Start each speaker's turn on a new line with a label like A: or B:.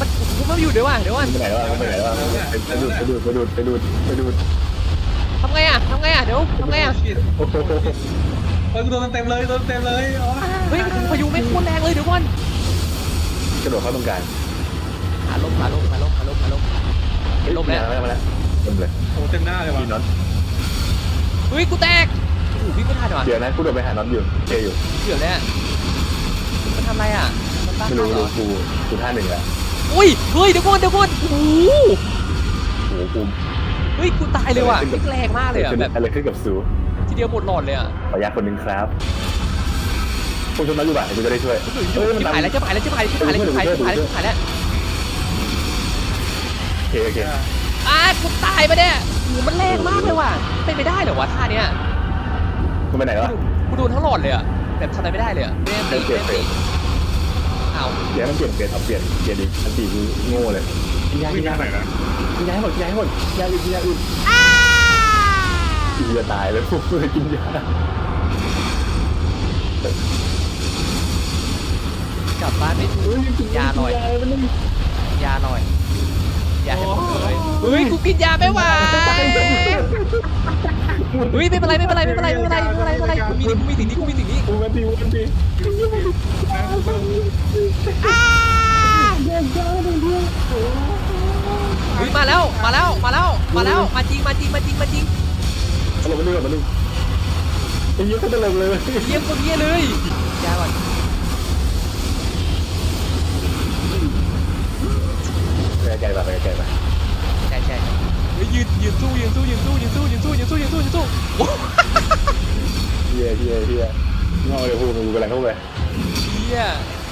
A: มันอยู่เดี๋ยวเดี๋ยว
B: ไปไหนวะไปดูด
A: ทำไงอ่ะเดี๋ยวทำไงอ่ะ
C: เฮ้ยกูโดนเต็มเลย
A: เฮ้ยพายุไม่โคตรแรงเลยเดี๋ยวก่อน
B: กระโดดเข้าตรงกลาง
A: ขาลมแล้ว
B: มาแล้วเลย
C: โอ้เต็มหน้าเลยว่ะ
B: พี่น็อต
A: เฮ้ยกูแตกโอ้พี่ไม่ทันหรอ
B: เดี๋ยวนะกูโดดไปหาน็อตอยู่เจอยู่
A: เดี๋ยวเนี่ยมันทำอะไรอ่ะมันบ้า
B: ไม่รู้กูท่าหนึ่งแล้ว
A: อุ้ยเฮ้ยเดี๋ยวก่อนโอ้โห
B: กู
A: เฮ้ยกูตายเลยว่ะแรงมากเลยอ่ะแบบ
B: อะไรขึ้นกับซู
A: ทีเดียวหมดหลอดเลยอ่ะ
B: ขออนุญาตคนหนึ่งครับคุณชมน็อตอยู่บ้านกูจะได้ช่วย
A: จะหายแล้วโ
B: อเค
A: กูตายไปเนี่ยโอ้มันแรงมากเลยว่ะเป็นไปได้เหรอวะท่าเนี้ย
B: มึงไปไหนวะ
A: กูโดนทั้งหลอดเลยอ่ะแบบทำอะไรไม่ได้เลยอ่ะเล่นเอา
B: เดี๋ยวมันเปลี่ยนดิอันตีกูโง่เลยกินยาให้หมดยาอื่นกินยาตายเลยพวกมึงกินยาก
A: ลับบ้านไม่ถูกยาลอยยาให้หมดเลยเฮ้ยกูกินยาไม่ไหวเฮ้ยไม่เป็นไรกูมีสิ่งนี้
B: กูมันดี
A: เฮ้ยมาแล้วมาจริงมาจริง
B: เอาลงมาดึงไอ้เหี้ยก็ตลกเลย
A: เยี่ยมคนเยี่ยเลยยาก่อน
B: ไปไกลป่ะ
A: ใช่เฮ้ยยืนสู้
B: เฮียงอเลยพูดมึงกำลังเข้าไป
A: เฮีย